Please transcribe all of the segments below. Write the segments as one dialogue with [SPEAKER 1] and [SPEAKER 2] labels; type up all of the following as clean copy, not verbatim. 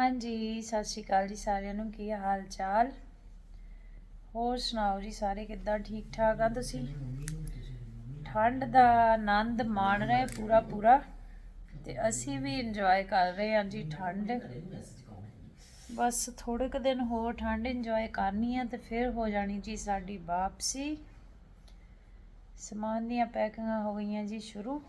[SPEAKER 1] ਹਾਂਜੀ ਸਤਿ ਸ਼੍ਰੀ ਅਕਾਲ ਜੀ ਸਾਰਿਆਂ ਨੂੰ। ਕੀ ਹਾਲ ਚਾਲ? ਹੋਰ ਸੁਣਾਓ ਜੀ, ਸਾਰੇ ਕਿੱਦਾਂ? ਠੀਕ ਠਾਕ ਆ ਤੁਸੀਂ? ਠੰਡ ਦਾ ਆਨੰਦ ਮਾਣ ਰਹੇ ਪੂਰਾ ਤੇ ਅਸੀਂ ਵੀ ਇੰਜੋਏ ਕਰ ਰਹੇ ਹਾਂ ਜੀ ਠੰਡ। ਬਸ ਥੋੜੇ ਕੁ ਦਿਨ ਹੋਰ ਠੰਡ ਇੰਜੋਏ ਕਰਨੀ ਆ ਤੇ ਫਿਰ ਹੋ ਜਾਣੀ ਜੀ ਸਾਡੀ ਵਾਪਸੀ। ਸਮਾਨ ਦੀਆਂ ਪੈਕਿੰਗਾਂ ਹੋ ਗਈਆਂ ਜੀ ਸ਼ੁਰੂ।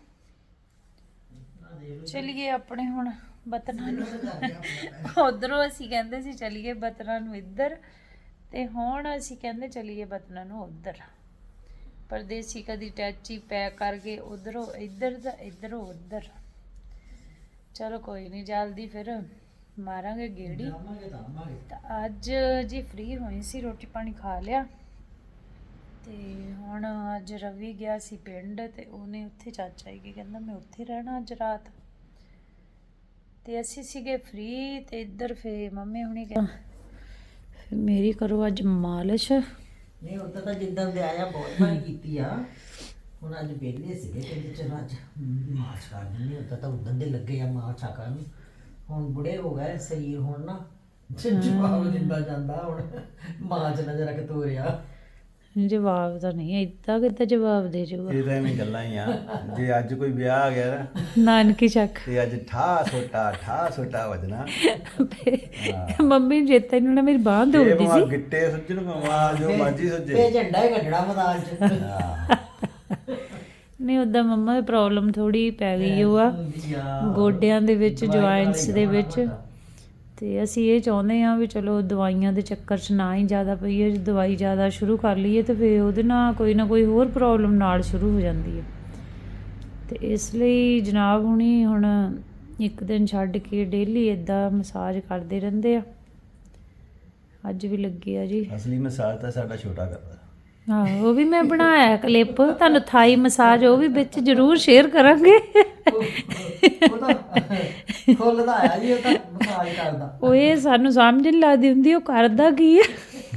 [SPEAKER 1] ਚਲੀਏ ਆਪਣੇ ਹੁਣ ਬਤਨਾਂ ਨੂੰ ਉਧਰੋਂ ਅਸੀਂ ਕਹਿੰਦੇ ਸੀ ਚਲੀਏ ਬਤਨਾਂ ਨੂੰ ਇੱਧਰ, ਤੇ ਹੁਣ ਅਸੀਂ ਕਹਿੰਦੇ ਚਲੀਏ ਬਤਨਾਂ ਨੂੰ ਉੱਧਰ। ਪਰਦੇਸੀ ਕਦੀ ਟੈਚੀ ਪੈਕ ਕਰ ਗਏ ਉਧਰੋਂ ਇੱਧਰ ਦਾ ਇੱਧਰੋਂ ਉੱਧਰ। ਚਲੋ ਕੋਈ ਨਹੀਂ, ਜਲਦੀ ਫਿਰ ਮਾਰਾਂਗੇ ਗੇੜੀ। ਤਾਂ ਅੱਜ ਜੀ ਫ੍ਰੀ ਹੋਈ ਸੀ, ਰੋਟੀ ਪਾਣੀ ਖਾ ਲਿਆ ਤੇ ਹੁਣ ਅੱਜ ਰਵੀ ਗਿਆ ਸੀ ਪਿੰਡ ਤੇ ਉਹਨੇ ਉੱਥੇ ਚਾਚਾ ਜੀ ਕਹਿੰਦਾ ਮੈਂ ਉੱਥੇ ਰਹਿਣਾ ਅੱਜ ਰਾਤ, ਤੇ ਅਸੀਂ ਸੀਗੇ ਫ੍ਰੀ। ਤੇ ਇੱਧਰ ਫੇ ਮੰਮੀ ਹੁਣੀ ਕਹਿੰਦੇ ਮੇਰੀ ਕਰੋ ਅੱਜ ਮਾਲਿਸ਼।
[SPEAKER 2] ਨਹੀਂ ਉਦੋਂ ਤਾਂ ਜਿੱਦਾਂ ਦੇ ਆਇਆ ਬਹੁਤ ਵਾਰੀ ਕੀਤੀ ਆ, ਹੁਣ ਅੱਜ ਵਿਹਲੇ ਸੀਗੇ ਕਹਿੰਦੇ ਚਲੋ ਅੱਜ ਮਾਰਚ ਕਰ ਦਿੰਦੇ। ਉਦੋਂ ਦੇ ਲੱਗੇ ਆ ਮਾਰਚ ਕਰਨ, ਹੁਣ ਬੁੜੇ ਹੋ ਗਏ ਸਰੀਰ, ਹੁਣ ਨਾ ਜਵਾਬ ਦਿੰਦਾ ਜਾਂਦਾ, ਹੁਣ ਮਾਰਚ ਨਾ ਜਰਾ ਕਿ ਤੋਰਿਆ।
[SPEAKER 1] ਜਵਾਬ ਤਾਂ ਨਹੀਂ ਇੱਦਾਂ ਕਿੱਦਾਂ ਜਵਾਬ ਦੇ ਜੂਗਾ,
[SPEAKER 3] ਇਹ ਤਾਂ ਐਵੇਂ ਗੱਲਾਂ ਹੀ ਆ। ਜੇ ਅੱਜ ਕੋਈ ਵਿਆਹ ਆ ਗਿਆ ਨਾ
[SPEAKER 1] ਨਾਨਕੀ ਚੱਕ
[SPEAKER 3] ਤੇ ਅੱਜ ਠਾ ਛੋਟਾ ਵਜਣਾ।
[SPEAKER 1] ਮੰਮੀ ਨੂੰ ਚੇਤਾ ਇਹਨਾਂ ਨੇ ਮੇਰੀ ਬਾਂਹ
[SPEAKER 3] ਇਹ
[SPEAKER 1] ਦੌੜਦੀ
[SPEAKER 3] ਭਾਵੇਂ
[SPEAKER 1] ਸੀ।
[SPEAKER 3] ਗਿੱਟੇ ਸੁੱਜਣ ਭਾਵੇਂ ਜੋ ਮਰਜੀ ਸੁੱਜੇ।
[SPEAKER 2] ਇਹ ਝੰਡਾ ਹੀ ਕੱਢਣਾ ਮੈਦਾਨ ਚ।
[SPEAKER 1] ਨਹੀਂ ਉੱਦਾਂ ਮੰਮਾ ਦੀ ਪ੍ਰੋਬਲਮ ਥੋੜੀ ਪੈ ਗਈ ਉਹ ਆ ਗੋਡਿਆਂ ਦੇ ਵਿੱਚ, ਜੁਆਇੰਟਸ ਦੇ ਵਿੱਚ। ਤੇ ਅਸੀਂ ਇਹ ਚਾਹੁੰਦੇ ਹਾਂ ਵੀ ਚਲੋ ਦਵਾਈਆਂ ਦੇ ਚੱਕਰ 'ਚ ਨਾ ਹੀ ਜ਼ਿਆਦਾ ਪਈਏ। ਜੇ ਦਵਾਈ ਜ਼ਿਆਦਾ ਸ਼ੁਰੂ ਕਰ ਲਈਏ ਤਾਂ ਫਿਰ ਉਹਦੇ ਨਾਲ ਕੋਈ ਨਾ ਕੋਈ ਹੋਰ ਪ੍ਰੋਬਲਮ ਨਾਲ ਸ਼ੁਰੂ ਹੋ ਜਾਂਦੀ ਹੈ। ਤੇ ਇਸ ਲਈ ਜਨਾਬ ਹੁਣੀ ਹੁਣ ਇੱਕ ਦਿਨ ਛੱਡ ਕੇ ਡੇਲੀ ਇੱਦਾਂ ਮਸਾਜ ਕਰਦੇ ਰਹਿੰਦੇ ਆ। ਅੱਜ ਵੀ ਲੱਗੇ ਆ ਜੀ।
[SPEAKER 3] ਅਸਲੀ ਮਸਾਜ ਤਾਂ ਸਾਡਾ ਛੋਟਾ ਕਰਦਾ।
[SPEAKER 1] ਆਹੋ ਉਹ ਵੀ ਮੈਂ ਬਣਾਇਆ ਕਲਿੱਪ, ਤੁਹਾਨੂੰ ਥਾਈ ਮਸਾਜ ਉਹ ਵੀ ਵਿੱਚ ਜ਼ਰੂਰ ਸ਼ੇਅਰ ਕਰਾਂਗੇ।
[SPEAKER 2] ਉਹ ਤਾਂ ਖੁੱਲਦਾ ਆ ਜੀ, ਉਹ ਤਾਂ ਮਸਾਜ ਕਰਦਾ।
[SPEAKER 1] ਉਹ ਇਹ ਸਾਨੂੰ ਸਮਝ ਨਹੀਂ ਲੱਗਦੀ ਹੁੰਦੀ ਉਹ ਕਰਦਾ ਕੀ ਹੈ।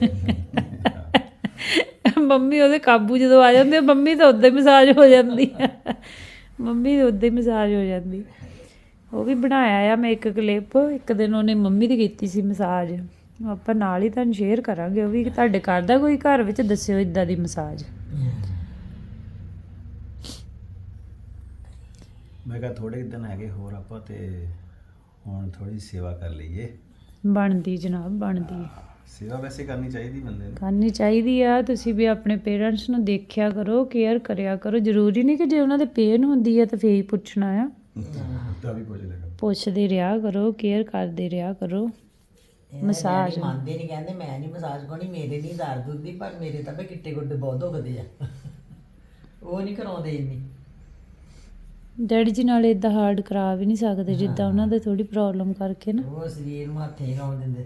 [SPEAKER 1] ਮੰਮੀ ਉਹਦੇ ਕਾਬੂ ਜਦੋਂ ਆ ਜਾਂਦੇ, ਮੰਮੀ ਤਾਂ ਉੱਦਾਂ ਹੀ ਮਸਾਜ ਹੋ ਜਾਂਦੀ ਆ। ਮੰਮੀ ਤਾਂ ਉੱਦਾਂ ਹੀ ਮਸਾਜ ਹੋ ਜਾਂਦੀ। ਉਹ ਵੀ ਬਣਾਇਆ ਆ ਮੈਂ ਇੱਕ ਕਲਿੱਪ, ਇੱਕ ਦਿਨ ਉਹਨੇ ਮੰਮੀ ਦੀ ਕੀਤੀ ਸੀ ਮਸਾਜ। ਆਪਾਂ ਨਾਲ ਹੀ ਤੁਹਾਨੂੰ ਸ਼ੇਅਰ ਕਰਾਂਗੇ ਉਹ ਵੀ। ਤੁਹਾਡੇ ਕਰਦਾ ਕੋਈ ਘਰ ਵਿੱਚ, ਦੱਸਿਓ ਇੱਦਾਂ ਦੀ ਮਸਾਜ।
[SPEAKER 3] ਮੈਂ ਕਿਹਾ ਥੋੜੇ ਦਿਨ ਹੈਗੇ ਹੋਰ ਆਪਾਂ ਤੇ ਹੁਣ ਥੋੜੀ ਸੇਵਾ ਕਰ ਲਈਏ।
[SPEAKER 1] ਬਣਦੀ ਜਨਾਬ, ਬਣਦੀ
[SPEAKER 3] ਸੇਵਾ ਵੈਸੇ ਕਰਨੀ ਚਾਹੀਦੀ ਬੰਦੇ ਨੂੰ,
[SPEAKER 1] ਕਰਨੀ ਚਾਹੀਦੀ ਆ। ਤੁਸੀਂ ਵੀ ਆਪਣੇ ਪੇਰੈਂਟਸ ਨੂੰ ਦੇਖਿਆ ਕਰੋ, ਕੇਅਰ ਕਰਿਆ ਕਰੋ। ਜ਼ਰੂਰੀ ਨਹੀਂ ਕਿ ਜੇ ਉਹਨਾਂ ਦੇ ਪੇਨ ਹੁੰਦੀ ਹੈ ਤਾਂ ਫੇਰ ਹੀ ਪੁੱਛਣਾ ਆ।
[SPEAKER 3] ਤਾਂ ਵੀ ਪੁੱਛ ਲਿਆ
[SPEAKER 1] ਪੁੱਛਦੇ ਰਿਹਾ ਕਰੋ, ਕੇਅਰ ਕਰਦੇ ਰਿਹਾ ਕਰੋ। ਮਸਾਜ
[SPEAKER 2] ਮੰਨਦੇ ਨਹੀਂ, ਕਹਿੰਦੇ ਮੈਂ ਨਹੀਂ ਮਸਾਜ ਕਰਨੀ, ਮੇਰੇ ਨਹੀਂ ਦਰਦ ਹੁੰਦੀ, ਪਰ ਮੇਰੇ ਤਾਂ ਬਈ ਗਿੱਟੇ ਗੁੱਡੇ ਬਹੁਤ ਦੁਖਦੇ ਆ। ਉਹ ਨਹੀਂ ਕਰਾਉਂਦੇ ਇੰਨੀ।
[SPEAKER 1] ਡੈਡੀ ਜੀ ਨਾਲ ਇੱਦਾਂ ਹਾਰਡ ਕਰਾ ਵੀ ਨਹੀਂ ਸਕਦੇ ਜਿੱਦਾਂ ਉਹਨਾਂ ਦੇ ਥੋੜੀ ਪ੍ਰੋਬਲਮ ਕਰਕੇ ਨਾ।
[SPEAKER 2] ਉਹ ਸਰੀਰ ਨੂੰ ਹੱਥ ਹੀ ਲਾਉਣ ਦਿੰਦੇ।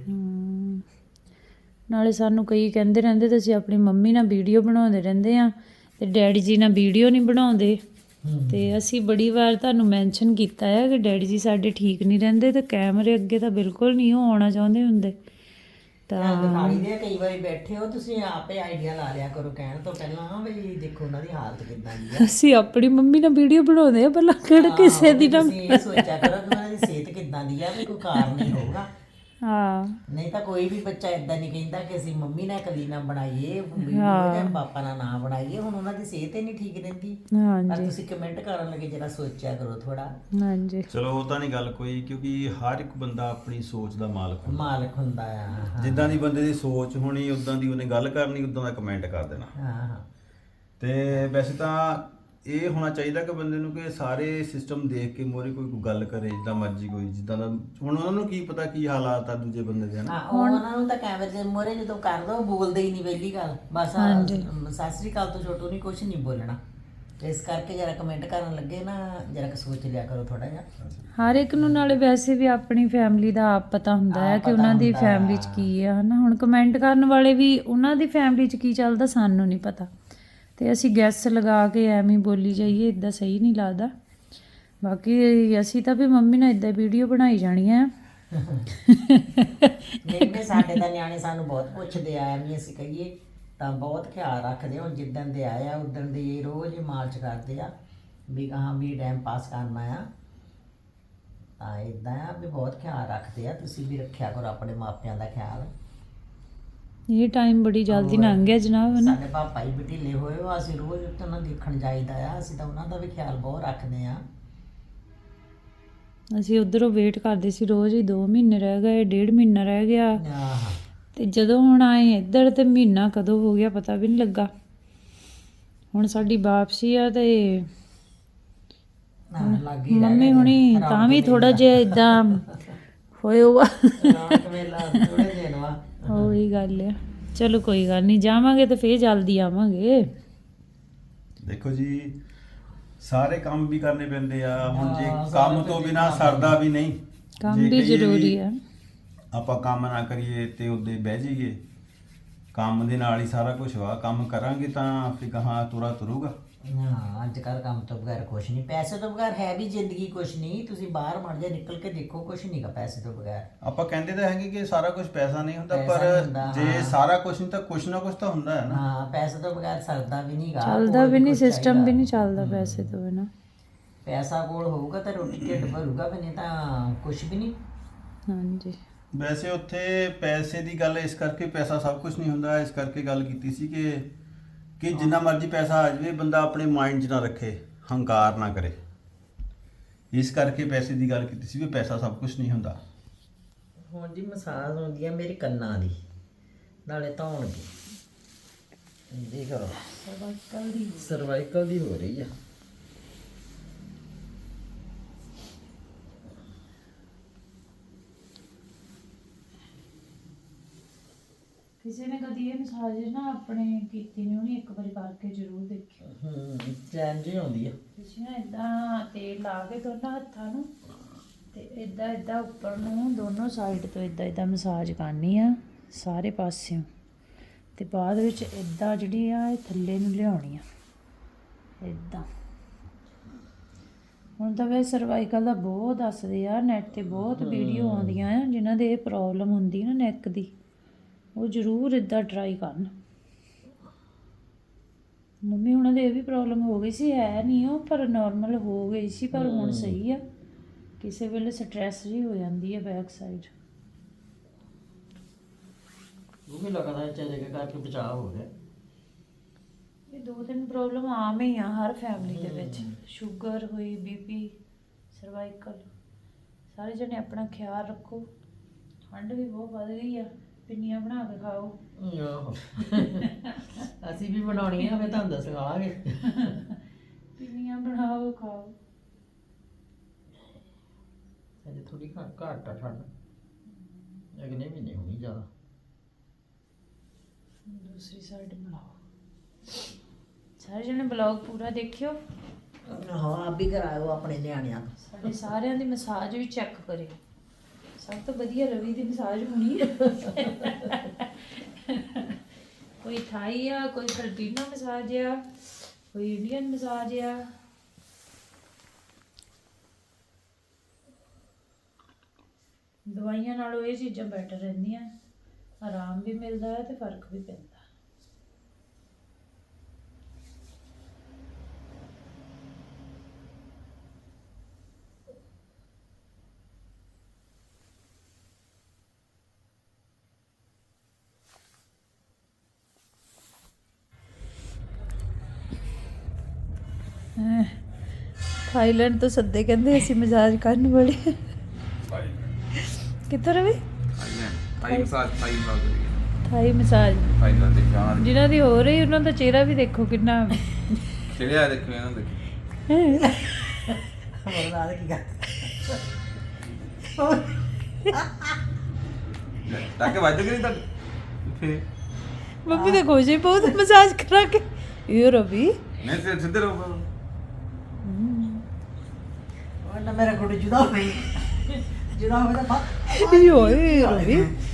[SPEAKER 1] ਨਾਲੇ ਸਾਨੂੰ ਕਈ ਕਹਿੰਦੇ ਰਹਿੰਦੇ ਤੁਸੀਂ ਆਪਣੀ ਮੰਮੀ ਨਾਲ ਵੀਡੀਓ ਬਣਾਉਂਦੇ ਰਹਿੰਦੇ ਆ ਤੇ ਡੈਡੀ ਜੀ ਨਾਲ ਵੀਡੀਓ ਨਹੀਂ ਬਣਾਉਂਦੇ। ਤੇ ਅਸੀਂ ਬੜੀ ਵਾਰ ਤੁਹਾਨੂੰ ਮੈਂਸ਼ਨ ਕੀਤਾ ਹੈ ਕਿ ਡੈਡੀ ਜੀ ਸਾਡੇ ਠੀਕ ਨਹੀਂ ਰਹਿੰਦੇ ਤੇ ਕੈਮਰੇ ਅੱਗੇ ਤਾਂ ਬਿਲਕੁਲ ਨਹੀਂ ਉਹ ਆਉਣਾ ਚਾਹੁੰਦੇ ਹੁੰਦੇ। ਤਾਂ
[SPEAKER 2] ਦਿਖਾਈ ਦੇ ਕਈ ਵਾਰੀ ਬੈਠੇ ਹੋ ਤੁਸੀਂ, ਆਪੇ ਆਈਡੀਆ ਲਾ ਲਿਆ ਕਰੋ ਕਹਿਣ ਤੋਂ ਪਹਿਲਾਂ ਵੀ ਦੇਖੋ ਉਹਨਾਂ ਦੀ ਹਾਲਤ ਕਿੱਦਾਂ ਦੀ ਆ।
[SPEAKER 1] ਅਸੀਂ ਆਪਣੀ ਮੰਮੀ ਨਾਲ ਵੀਡੀਓ ਬਣਾਉਂਦੇ ਆ ਪਹਿਲਾਂ, ਕਿਹੜਾ ਕਿਸੇ ਦੀ ਨਾ।
[SPEAKER 2] ਤੁਸੀਂ ਇਹ ਸੋਚਿਆ ਕਰੋ ਕਿ ਉਹਨਾਂ ਦੀ ਸਿਹਤ ਕਿੱਦਾਂ ਦੀ ਆ, ਵੀ ਕੋਈ ਕਾਰਨ ਨਹੀਂ ਹੋਊਗਾ।
[SPEAKER 1] ਹਾਂ
[SPEAKER 2] ਨਹੀਂ ਤਾਂ ਕੋਈ ਵੀ ਬੱਚਾ ਇਦਾਂ ਨਹੀਂ ਕਹਿੰਦਾ ਕਿ ਅਸੀਂ ਮੰਮੀ ਨਾਲ ਕਦੀ ਨਾ ਬਣਾਈਏ ਵੀਡੀਓ ਜਾਂ ਪਾਪਾ ਨਾਲ ਨਾ ਬਣਾਈਏ। ਹੁਣ ਉਹਨਾਂ ਦੀ ਸਿਹਤ ਹੀ ਨਹੀਂ ਠੀਕ ਰਹਿੰਦੀ। ਪਰ ਤੁਸੀਂ ਕਮੈਂਟ ਕਰਨ ਲੱਗੇ ਜਰਾ ਸੋਚਿਆ ਕਰੋ ਥੋੜਾ।
[SPEAKER 1] ਹਾਂਜੀ
[SPEAKER 3] ਚਲੋ ਉਹ ਤਾਂ ਨਹੀਂ ਗੱਲ ਕੋਈ, ਕਿਉਂਕਿ ਹਰ ਇੱਕ ਬੰਦਾ ਆਪਣੀ ਸੋਚ ਦਾ ਮਾਲਕ
[SPEAKER 2] ਹੁੰਦਾ ਆ।
[SPEAKER 3] ਜਿੱਦਾਂ ਦੀ ਬੰਦੇ ਦੀ ਸੋਚ ਹੋਣੀ ਉਦਾਂ ਦੀ ਉਹਨੇ ਗੱਲ ਕਰਨੀ, ਉਦਾਂ ਦਾ ਕਮੈਂਟ ਕਰ ਦੇਣਾ।
[SPEAKER 2] ਹਾਂ
[SPEAKER 3] ਤੇ ਵੈਸੇ ਤਾਂ ਇਹ ਹੋਣਾ ਚਾਹੀਦਾ ਕਿ ਬੰਦੇ ਨੂੰ ਕਿ ਸਾਰੇ ਸਿਸਟਮ ਦੇਖ ਕੇ ਮੋਰੇ ਕੋਈ ਗੱਲ ਕਰੇ, ਜਿੱਦਾਂ ਮਰਜ਼ੀ ਕੋਈ ਜਿੱਦਾਂ ਦਾ। ਹੁਣ ਉਹਨਾਂ ਨੂੰ ਕੀ ਪਤਾ ਕੀ ਹਾਲਾਤ ਆ ਦੂਜੇ ਬੰਦੇ ਦੇ, ਹਨਾ।
[SPEAKER 2] ਉਹਨਾਂ ਨੂੰ ਤਾਂ ਕੈਮਰੇ ਦੇ ਮੋਰੇ ਜਦੋਂ ਕਰ ਦੋ ਬੋਲਦੇ ਹੀ ਨਹੀਂ, ਪਹਿਲੀ ਗੱਲ ਬਸ ਸਤਿ ਸ੍ਰੀ ਅਕਾਲ ਤੋਂ ਛੋਟੂ ਨਹੀਂ ਕੁਛ ਨਹੀਂ ਬੋਲਣਾ। ਇਸ ਕਰਕੇ ਜਰਾ ਕਮੈਂਟ ਕਰਨ ਲੱਗੇ ਨਾ ਜਰਾ ਕਿ ਸੋਚ ਲਿਆ ਕਰੋ ਥੋੜਾ ਜਿਹਾ।
[SPEAKER 1] ਹਰ ਇੱਕ ਨੂੰ ਨਾਲੇ ਵੈਸੇ ਵੀ ਆਪਣੀ ਫੈਮਿਲੀ ਦਾ ਆਪ ਪਤਾ ਹੁੰਦਾ ਹੈ ਕਿ ਉਹਨਾਂ ਦੀ ਫੈਮਿਲੀ 'ਚ ਕੀ ਆ, ਹਨਾ। ਹੁਣ ਕਮੈਂਟ ਕਰਨ ਵਾਲੇ ਵੀ ਉਹਨਾਂ ਦੀ ਫੈਮਿਲੀ 'ਚ ਕੀ ਚੱਲਦਾ ਸਾਨੂੰ ਨਹੀਂ ਪਤਾ, ਤੇ ਅਸੀਂ ਗੈਸ ਲਗਾ ਕੇ ਐਵੇਂ ਬੋਲੀ ਜਾਈਏ, ਇੱਦਾਂ ਸਹੀ ਨਹੀਂ ਲੱਗਦਾ। ਬਾਕੀ ਅਸੀਂ ਤਾਂ ਵੀ ਮੰਮੀ ਨਾਲ ਇੱਦਾਂ ਵੀਡੀਓ ਬਣਾਈ ਜਾਣੀਆਂ।
[SPEAKER 2] ਨਹੀਂ ਸਾਡੇ ਤਾਂ ਨਿਆਣੇ ਸਾਨੂੰ ਬਹੁਤ ਪੁੱਛਦੇ ਆ, ਐਵੇਂ ਅਸੀਂ ਕਹੀਏ ਤਾਂ ਬਹੁਤ ਖਿਆਲ ਰੱਖਦੇ। ਹੁਣ ਜਿੱਦਣ ਦੇ ਆਏ ਆ ਉਦਣ ਦੇ ਰੋਜ਼ ਹੀ ਮਾਲਚ ਕਰਦੇ ਆ ਵੀ ਹਾਂ ਵੀ ਟਾਈਮ ਪਾਸ ਕਰਨਾ ਆ। ਤਾਂ ਇਦਾਂ ਆ ਵੀ ਬਹੁਤ ਖਿਆਲ ਰੱਖਦੇ ਆ, ਤੁਸੀਂ ਵੀ ਰੱਖਿਆ ਕਰੋ ਆਪਣੇ ਮਾਪਿਆਂ ਦਾ ਖਿਆਲ।
[SPEAKER 1] ਇਹ ਟਾਈਮ ਬੜੀ ਜਲਦੀ ਲੰਘ ਗਿਆ ਜਨਾਬ ਹੈ ਨਾ।
[SPEAKER 2] ਸਾਡੇ ਪਾਪਾ ਹੀ ਢਿੱਲੇ ਹੋਏ ਹੋ, ਅਸੀਂ ਰੋਜ਼ ਉੱਥੇ ਉਹਨਾਂ ਦੇਖਣ ਜਾਈਦਾ ਆ, ਅਸੀਂ ਤਾਂ ਉਹਨਾਂ ਦਾ ਵੀ ਖਿਆਲ ਬਹੁਤ ਰੱਖਦੇ ਆ।
[SPEAKER 1] ਅਸੀਂ ਉਧਰੋਂ ਵੇਟ ਕਰਦੇ ਸੀ ਰੋਜ਼ ਹੀ, 2 ਮਹੀਨੇ ਰਹਿ ਗਏ, 1.5 ਮਹੀਨਾ ਰਹਿ ਗਿਆ,
[SPEAKER 2] ਆਹ
[SPEAKER 1] ਤੇ ਜਦੋਂ ਹੁਣ ਆਏ ਇੱਧਰ ਤੇ ਮਹੀਨਾ ਕਦੋਂ ਹੋ ਗਿਆ ਪਤਾ ਵੀ ਨਹੀਂ ਲੱਗਾ। ਹੁਣ ਸਾਡੀ ਵਾਪਸੀ ਆ ਤੇ
[SPEAKER 2] ਲੱਗੀ
[SPEAKER 1] ਮੰਮੀ ਹੁਣੀ ਤਾਂ ਵੀ ਥੋੜਾ ਜਿਹਾ ਇਦਾਂ ਹੋਏ ਹੋਆ।
[SPEAKER 2] ਰਾਤ ਵੇਲਾ ਥੋੜੇ ਦਿਨ ਵਾ।
[SPEAKER 1] ਉਹੀ ਗੱਲ ਆ। ਚਲੋ ਕੋਈ ਗੱਲ ਨਹੀਂ, ਜਾਵਾਂਗੇ ਤੇ ਫੇਰ ਜਲਦੀ ਆਵਾਂਗੇ।
[SPEAKER 3] ਦੇਖੋ ਜੀ ਸਾਰੇ ਕੰਮ ਵੀ ਕਰਨੇ ਪੈਂਦੇ ਆ, ਹੁਣ ਜੇ ਕੰਮ ਤੋਂ ਬਿਨਾ ਸਰਦਾ ਵੀ ਨਹੀਂ।
[SPEAKER 1] ਕੰਮ
[SPEAKER 3] ਜੇ
[SPEAKER 1] ਵੀ
[SPEAKER 3] ਕਹੀਏ
[SPEAKER 1] ਜ਼ਰੂਰੀ ਆ। ਆਪਾਂ
[SPEAKER 3] ਕੰਮ ਨਾ ਕਰੀਏ ਤੇ ਉਹਦੇ ਬਹਿ ਜਾਈਏ, ਕੰਮ ਦੇ ਨਾਲ ਹੀ ਸਾਰਾ ਕੁਝ ਵਾ। ਕੰਮ ਕਰਾਂਗੇ ਤਾਂ ਫਿਰ ਕਹਾਂ ਤੁਰਾ ਤੁਰੂਗਾ।
[SPEAKER 2] ਹਾਂ ਅੱਜ ਕੱਲ੍ਹ ਕੰਮ ਤੋਂ ਬਗੈਰ ਕੁਛ ਨਹੀਂ, ਪੈਸੇ ਤੋਂ ਬਗੈਰ ਹੈ ਵੀ ਜ਼ਿੰਦਗੀ ਕੁਛ ਨਹੀਂ। ਤੁਸੀਂ ਬਾਹਰ ਮੜ ਜਾ ਨਿਕਲ ਕੇ ਦੇਖੋ, ਕੁਛ ਨਹੀਂਗਾ ਪੈਸੇ ਤੋਂ ਬਗੈਰ।
[SPEAKER 3] ਆਪਾਂ ਕਹਿੰਦੇ ਤਾਂ ਹੈਗੇ ਕਿ ਸਾਰਾ ਕੁਝ ਪੈਸਾ ਨਹੀਂ ਹੁੰਦਾ,
[SPEAKER 2] ਪੈਸਾ ਨਹੀਂ ਹੁੰਦਾ,
[SPEAKER 3] ਪਰ ਜੇ ਸਾਰਾ ਕੁਝ ਨਹੀਂ ਤਾਂ ਕੁਛ ਨਾ ਕੁਛ ਤਾਂ ਹੁੰਦਾ ਹੈ ਨਾ।
[SPEAKER 2] ਹਾਂ ਪੈਸੇ ਤੋਂ ਬਗੈਰ ਸਰਦਾ ਵੀ ਨਹੀਂਗਾ,
[SPEAKER 1] ਚੱਲਦਾ ਵੀ ਨਹੀਂ, ਸਿਸਟਮ ਵੀ ਨਹੀਂ ਚੱਲਦਾ ਪੈਸੇ ਤੋਂ ਬਿਨਾ।
[SPEAKER 2] ਪੈਸਾ ਕੋਲ ਹੋਊਗਾ ਤਾਂ ਰੋਟੀ ਢਿੱਡ ਭਰੂਗਾ, ਵੀ ਨਹੀਂ ਤਾਂ ਕੁਛ ਵੀ ਨਹੀਂ।
[SPEAKER 1] ਹਾਂਜੀ
[SPEAKER 3] ਵੈਸੇ ਉੱਥੇ ਪੈਸੇ ਦੀ ਗੱਲ ਇਸ ਕਰਕੇ, ਪੈਸਾ ਸਭ ਕੁਝ ਨਹੀਂ ਹੁੰਦਾ, ਇਸ ਕਰਕੇ ਗੱਲ ਕੀਤੀ ਸੀ ਕਿ ਜਿੰਨਾ ਮਰਜ਼ੀ ਪੈਸਾ ਆ ਜਾਵੇ ਬੰਦਾ ਆਪਣੇ ਮਾਈਂਡ 'ਚ ਨਾ ਰੱਖੇ, ਹੰਕਾਰ ਨਾ ਕਰੇ। ਇਸ ਕਰਕੇ ਪੈਸੇ ਦੀ ਗੱਲ ਕੀਤੀ ਸੀ ਵੀ ਪੈਸਾ ਸਭ ਕੁਝ ਨਹੀਂ ਹੁੰਦਾ।
[SPEAKER 2] ਹੁਣ ਜੀ ਮਸਾਜ ਹੁੰਦੀ ਆ ਮੇਰੇ ਕੰਨਾਂ ਦੀ, ਨਾਲੇ ਧੌਣ ਦੀ। ਜੀ ਕਰੋ ਸਰਵਾਈਕਲ ਦੀ ਹੋ ਰਹੀ ਆ।
[SPEAKER 1] ਕਿਸੇ ਨੇ ਕਦੀ ਇਹ ਮਸਾਜ ਨਾ ਆਪਣੇ ਕੀਤੀ ਨਹੀਂ ਹੋਣੀ, ਇੱਕ ਵਾਰੀ ਕਰਕੇ ਜ਼ਰੂਰ ਦੇਖਿਓ।
[SPEAKER 2] ਚੈਨ ਜੀ ਆਉਂਦੀ ਆ।
[SPEAKER 1] ਤੁਸੀਂ ਨਾ ਇਦਾਂ ਤੇਲ ਲਾ ਕੇ ਦੋਨਾਂ ਹੱਥਾਂ ਨੂੰ ਤੇ ਇਦਾਂ ਉੱਪਰ ਨੂੰ ਦੋਨੋਂ ਸਾਈਡ ਤੋਂ ਇਦਾਂ ਮਸਾਜ ਕਰਨੀ ਆ ਸਾਰੇ ਪਾਸਿਓਂ, ਤੇ ਬਾਅਦ ਵਿੱਚ ਇਦਾਂ ਜਿਹੜੀ ਆ ਇਹ ਥੱਲੇ ਨੂੰ ਲਿਆਉਣੀ ਆ ਇਦਾਂ। ਹੁਣ ਤਾਂ ਵੈਸੇ ਸਰਵਾਈਕਲ ਦਾ ਬਹੁਤ ਦੱਸਦੇ ਆ, ਨੈਟ ਤੇ ਬਹੁਤ ਵੀਡੀਓ ਆਉਂਦੀਆਂ ਆ ਜਿਨ੍ਹਾਂ ਦੇ ਇਹ ਪ੍ਰੋਬਲਮ ਹੁੰਦੀ ਨਾ ਨੈਕ ਦੀ, ਉਹ ਜ਼ਰੂਰ ਇਦਾਂ ਟਰਾਈ ਕਰਨ। ਮੰਮੀ ਉਹਨਾਂ ਦੇ ਇਹ ਵੀ ਪ੍ਰੋਬਲਮ ਹੋ ਗਈ ਸੀ, ਹੈ ਨਹੀਂ ਉਹ ਪਰ ਨਾਰਮਲ ਹੋ ਗਈ ਸੀ, ਪਰ ਹੁਣ ਸਹੀ ਆ। ਕਿਸੇ ਵੇਲੇ ਸਟ੍ਰੈਸ ਜੀ ਹੋ ਜਾਂਦੀ ਹੈ ਬੈਕ ਸਾਈਡ।
[SPEAKER 2] ਉਹ ਵੀ ਲੱਗਦਾ ਚਾਹੇ ਕਰਕੇ ਬਚਾਅ ਹੋ ਗਿਆ।
[SPEAKER 1] ਇਹ 2-3 ਪ੍ਰੋਬਲਮ ਆਮ ਹੀ ਆ ਹਰ ਫੈਮਿਲੀ ਦੇ ਵਿੱਚ, ਸ਼ੂਗਰ ਹੋਈ, ਬੀਪੀ, ਸਰਵਾਈਕਲ। ਸਾਰੇ ਜਣੇ ਆਪਣਾ ਖਿਆਲ ਰੱਖੋ। ਠੰਡ ਵੀ ਬਹੁਤ ਵੱਧ ਗਈ ਆ, ਪਿੰਨੀਆਂ ਬਣਾ ਕੇ ਖਾਓ।
[SPEAKER 2] ਆਹੋ ਅਸੀਂ ਵੀ ਬਣਾਉਣੀਆਂ ਹੋਵੇ ਤੁਹਾਨੂੰ ਦੱਸਾਂਗੇ।
[SPEAKER 1] ਪਿੰਨੀਆਂ ਬਣਾਓ ਖਾਓ।
[SPEAKER 2] ਅਜੇ ਥੋੜੀ ਘੱਟ ਆ ਠੰਡ, ਅਗਲੇ ਮਹੀਨੇ ਹੋਣੀ ਜ਼ਿਆਦਾ।
[SPEAKER 1] ਦੂਸਰੀ ਸਾਈਡ ਬਣਾਓ। ਸਾਰੇ ਜਣੇ ਬਲੌਗ ਪੂਰਾ ਦੇਖਿਓ।
[SPEAKER 2] ਹਾਂ ਆਪ ਵੀ ਕਰਾਇਓ ਆਪਣੇ ਨਿਆਣਿਆਂ ਤੋਂ।
[SPEAKER 1] ਸਾਡੇ ਸਾਰਿਆਂ ਦੀ ਮਸਾਜ ਵੀ ਚੈੱਕ ਕਰਿਓ। ਸਭ ਤੋਂ ਵਧੀਆ ਰਵੀ ਦੀ ਮਸਾਜ ਹੋਣੀ ਹੈ। ਕੋਈ ਥਾਈ ਆ, ਕੋਈ ਫਿਲਪੀਨੋ ਮਸਾਜ ਆ, ਕੋਈ ਇੰਡੀਅਨ ਮਸਾਜ ਆ। ਦਵਾਈਆਂ ਨਾਲੋਂ ਇਹ ਚੀਜ਼ਾਂ ਬੈਟਰ ਰਹਿੰਦੀਆਂ, ਆਰਾਮ ਵੀ ਮਿਲਦਾ ਹੈ ਤੇ ਫਰਕ ਵੀ ਪੈਂਦਾ। ਥਾਈਲੈਂਡ ਤੋਂ ਸੱਦੇ ਕਹਿੰਦੇ ਅਸੀਂ ਮਸਾਜ ਕਰਨ ਵਾਲੇ। ਕਿੱਥੋਂ ਰਵੀ? ਥਾਈ ਮਸਾਜ ਜਿਨ੍ਹਾਂ ਦੀ ਹੋ ਰਹੀ ਉਹਨਾਂ ਦਾ ਚਿਹਰਾ ਵੀ ਦੇਖੋ ਕਿੰਨਾ
[SPEAKER 4] ਚਿਹਰਾ ਦੇਖੋ ਇਹਨਾਂ ਦੇ।
[SPEAKER 2] ਹੋਰ ਕੀ ਕਰ
[SPEAKER 4] ਤਾਂ ਕਿ ਵੱਜ ਗਈ ਤਾਂ ਫੇ
[SPEAKER 1] ਮੰਮੀ ਤਾਂ ਖੁਸ਼ ਹੀ ਬਹੁਤ ਮਸਾਜ ਕਰਾ ਕੇ। ਇਹ ਰਵੀ
[SPEAKER 4] ਨਹੀਂ ਸਿੱਧੇ ਰਹੋ।
[SPEAKER 2] ਉਹਨਾਂ ਮੇਰਾ ਗੁੱਡ ਜੁਦਾ ਹੋਈ, ਜੁਦਾ ਹੋਵੇ ਤਾਂ ਬਾਤ
[SPEAKER 1] ਓਏ ਰਵੀ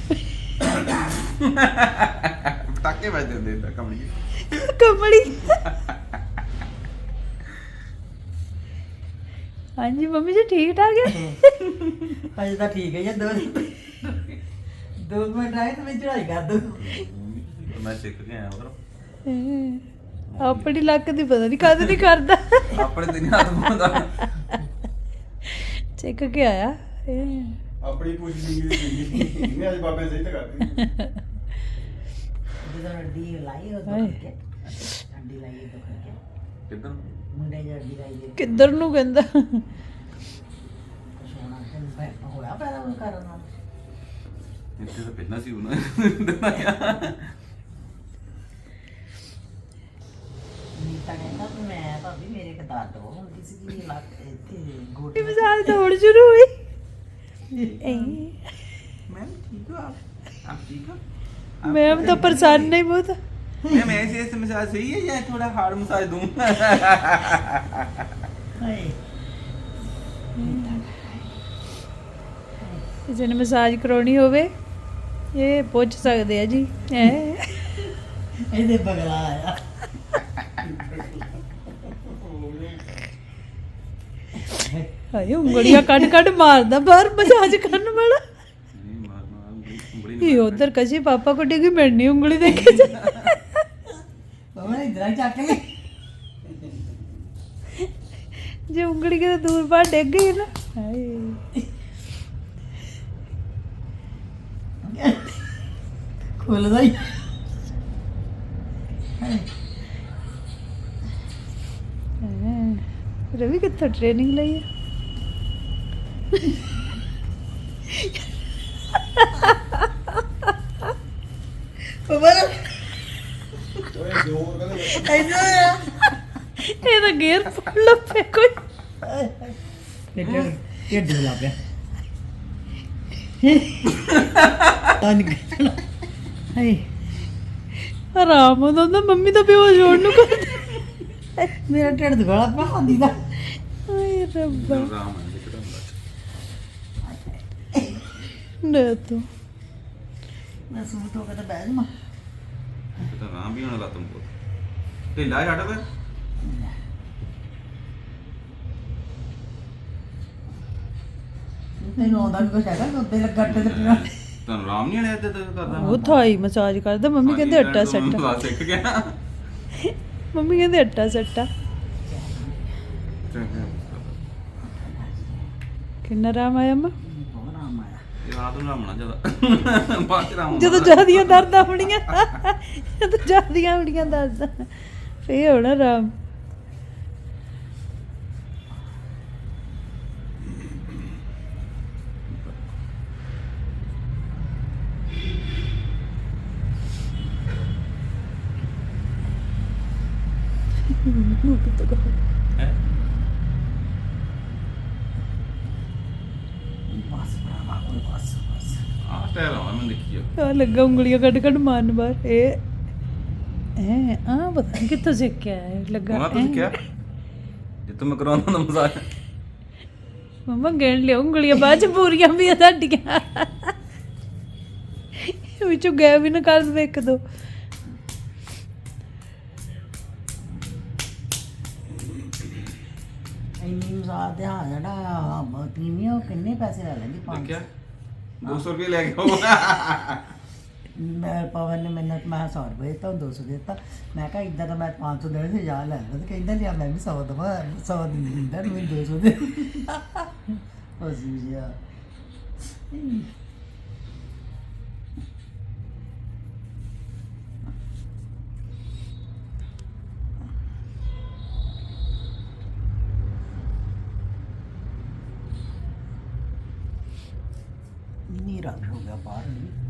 [SPEAKER 4] ਪਟਾਕੇ ਵੱਜਦੇ ਹੁੰਦੇ ਤਾਂ ਕਮਲੀ
[SPEAKER 1] ਕਮਲੀ। ਹਾਂਜੀ ਮੰਮੀ ਜੀ ਠੀਕ ਠਾਕ ਹੈ?
[SPEAKER 2] ਅਜੇ ਤਾਂ ਠੀਕ ਹੈ ਜੀ। 2 ਮਿੰਟ ਆਏ ਤਾਂ ਮੈਂ ਚੜਾਈ ਕਰ ਦੂੰ।
[SPEAKER 4] ਮੈਂ ਸਿੱਖ ਕੇ ਆਇਆ ਉਧਰ।
[SPEAKER 1] ਆਪਣੀ ਲੱਕ ਦੀ ਪਤਾ ਨਹੀਂ ਕਦ ਨਹੀਂ ਕਰਦਾ।
[SPEAKER 4] ਆਪਣੇ ਦਿਨ ਹੱਥ ਪਾਉਂਦਾ।
[SPEAKER 1] ਸਿੱਖ ਕੇ ਆਇਆ ਇਹ
[SPEAKER 3] ਆਪਣੀ ਪੁੱਛ ਦੀ ਇਹਨੇ ਅੱਜ ਬਾਬੇ ਸਹੀ ਤਾਂ ਕਰਦੀ
[SPEAKER 2] ਜਦੋਂ ਅੱਡੀ ਲਾਈ ਉਹ
[SPEAKER 1] ਹਾਏ।
[SPEAKER 2] ਦੁੱਖ ਕੇ ਅੱਡੀ ਲਾਈ ਉਹ ਦੁੱਖ ਕੇ
[SPEAKER 4] ਕਿੱਦਾਂ
[SPEAKER 2] ਮੁੰਡੇ ਦੀ ਅੱਡੀ ਲਾਈ ਦੇ
[SPEAKER 1] ਕਿੱਧਰ ਨੂੰ ਕਹਿੰਦਾ
[SPEAKER 2] ਸੋਣਾ ਤੇ ਹੋਇਆ ਪੈਦਾ ਉਹ ਕਰਨ ਨਾਲ
[SPEAKER 4] ਇੱਥੇ ਤਾਂ ਪਹਿਲਾਂ ਸੀ ਉਹਨਾਂ
[SPEAKER 2] ਨੀਤਾ ਕਹਿੰਦਾ ਵੀ ਮੈਂ ਭਾਬੀ ਮੇਰੇ ਇੱਕ ਦਰਦ ਹੋ ਹੁੰਦੀ ਸੀ ਕਿ ਲੱਕ ਇੱਥੇ ਗੋਡੇ
[SPEAKER 1] ਮਸਾਜ ਤਾਂ ਹੁਣ ਸ਼ੁਰੂ ਹੋਈ
[SPEAKER 4] मैम ठीक हो आप ठीक हो
[SPEAKER 1] मैम तो परेशान नहीं बहुत
[SPEAKER 4] मैम ऐसे मसाज सही है या थोड़ा हार्ड मसाज दूं
[SPEAKER 2] ਹਾਏ
[SPEAKER 1] ਕਿਸੇ ਨੇ ਮਸਾਜ ਕਰਾਉਣੀ ਹੋਵੇ ਇਹ ਪੁੱਛ ਸਕਦੇ ਆ ਜੀ
[SPEAKER 2] ਇਹਦੇ ਬਗਲਾ ਆਇਆ
[SPEAKER 1] ਹਾਏ ਉਂਗਲੀਆਂ ਕੱਢ ਕੱਢ ਮਾਰਦਾ ਬਾਹਰ ਮਸਾਜ ਕਰਨ ਵਾਲਾ
[SPEAKER 4] नहीं मार मार बड़ी
[SPEAKER 1] ਇਹ ਉਧਰ ਕਜੀ ਪਾਪਾ ਕੋ ਡਿੱਗੀ ਮਿਲਣੀ ਉਂਗਲੀ ਦੇਖੇ ਜਾ
[SPEAKER 2] ਉਹ ਇਧਰ ਚੱਕ ਲੈ
[SPEAKER 1] ਜੇ ਉਂਗਲੀ ਕਿਤੇ ਦੂਰ ਬਾਹਰ ਡਿੱਗ ਗਈ ਨਾ ਹਾਏ
[SPEAKER 2] ਖੁੱਲਦਾ ਹੀ
[SPEAKER 1] ਰਵੀ ਕਿੱਥੋਂ ਟ੍ਰੇਨਿੰਗ ਲਈ ਹੈ
[SPEAKER 2] ਬਬਰ
[SPEAKER 3] ਓਏ ਜ਼ੋਰ ਕਹਿੰਦੇ
[SPEAKER 1] ਇਹ ਤਾਂ ਗੇਅਰ ਫੜ ਲੱਪੇ ਕੋਈ
[SPEAKER 2] ਢਿੱਡ ਲਾ ਪਿਆ ਤਾਂ ਨਿਕਲ ਹਾਏ
[SPEAKER 1] ਆਰਾਮ ਆਉਂਦਾ ਹੁੰਦਾ ਮੰਮੀ ਤਾਂ ਬੇਹੋਸ਼ ਹੋਣ ਨੂੰ ਕਰ
[SPEAKER 2] ਮੇਰਾ ਢਿੱਡ ਦੁਗਲਾ ਪਿਆ ਹੁੰਦੀ ਦਾ
[SPEAKER 1] ਹਾਏ ਰੱਬਾ
[SPEAKER 4] राम है एकदम
[SPEAKER 1] ਨਾ ਤੂੰ
[SPEAKER 2] ਮੈਂ ਸੂਟ ਹੋ ਕੇ ਤਾਂ ਬਹਿ ਜਾਵਾਂ
[SPEAKER 4] तो राम भी होने लगा तुमको ढिला है हटा पे
[SPEAKER 2] ਤੈਨੂੰ ਆਉਂਦਾ ਵੀ ਕੁਛ ਹੈਗਾ ਉੱਤੇ ਲੱਗਾ ਤੇ ਲੱਗਣਾ
[SPEAKER 4] ਤੁਹਾਨੂੰ ਰਾਮ ਨਹੀਂ ਆਇਆ ਤੇ ਕਰਦਾ
[SPEAKER 1] ਉਹ ਥਾਈ ਮਸਾਜ ਕਰਦਾ ਮੰਮੀ ਕਹਿੰਦੇ ਅੱਟਾ ਸੱਟਾ
[SPEAKER 4] ਬਸ ਸਿੱਖ ਗਿਆ
[SPEAKER 1] ਮੰਮੀ ਕਹਿੰਦੇ ਅੱਟਾ ਸੱਟਾ ਕਿੰਨਾ ਆਰਾਮ ਆਇਆ ਮਾਂ
[SPEAKER 2] ਬਹੁਤ ਆਰਾਮ ਆਇਆ
[SPEAKER 4] ਇਹ ਰਾਤ ਨੂੰ ਰਾਮਣਾ ਜਿਆਦਾ ਬਾਅਦ ਚ ਰਾਮ
[SPEAKER 1] ਜਦੋਂ ਜਿਆਦੀਆਂ ਦਰਦਾਂ ਹੋਣੀਆਂ ਜਦੋਂ ਜਿਆਦੀਆਂ ਹੋਣੀਆਂ ਦਰਦਾਂ ਫੇਰ ਹੋਣਾ ਆਰਾਮ
[SPEAKER 4] ਹੈ
[SPEAKER 2] ਬਸ ਭਰਾਵਾ ਕੋਈ ਬਸ ਬਸ
[SPEAKER 4] ਆ ਟਾਇਰ ਆ ਮੈਂ ਦੇਖੀ
[SPEAKER 1] ਆ ਲੱਗਾ ਉਂਗਲੀਆਂ ਕੱਢ ਕੱਢ ਮਾਰਨ ਬਾਹਰ ਇਹ ਆ ਪਤਾ ਨੀ ਕਿੱਥੋਂ ਸਿੱਖ ਕੇ ਆਇਆ ਇਹ ਲੱਗਾ
[SPEAKER 4] ਉਹਨਾਂ ਤੁਸੀਂ ਕਿਹਾ ਜੇ ਤੁਮ ਕਰਾਉਣਾ ਨਾ ਮਜ਼ਾਕ
[SPEAKER 1] ਮੰਮਾ ਗਿਣ ਲਿਓ ਉਂਗਲੀਆਂ ਬਾਅਦ ਚ ਪੂਰੀਆਂ ਵੀ ਆ ਤੁਹਾਡੀਆਂ ਵਿੱਚੋਂ ਗਏ ਵੀ ਨਾ ਕਰ ਦੇਵੇ ਇੱਕ ਦੋ
[SPEAKER 2] ਇੰਨੀ ਮਸਾਜ ਦੇ ਹਾਂ ਜਿਹੜਾ ਪ੍ਰੀਮੀਅਮ ਉਹ ਕਿੰਨੇ ਪੈਸੇ ਲੈ ਲੈਂਦੀ
[SPEAKER 4] ਦੇਖਿਆ 200 ਰੁਪਏ ਲੈ ਗਿਆ
[SPEAKER 2] ਮੈਂ ਪਵਨ ਨੇ ਮੈਨੂੰ ਮੈਂ 100 ਰੁਪਏ ਤਾਂ 200 ਦਿੱਤਾ ਮੈਂ ਕਿਹਾ ਇਦਾਂ ਤਾਂ ਮੈਂ 500 ਦੇਣੇ ਸੀ ਜਾ ਲੈ ਤੇ ਕਹਿੰਦਾ ਲਿਆ ਮੈਂ ਵੀ 100 ਦਵਾ 100 ਦਿੰਦਾ ਮੈਨੂੰ 200 ਦੇ ਉਹ ਜੀ ਯਾ ਨੀਰਾ ਹੋ ਗਿਆ ਬਾਹਰ ਵੀ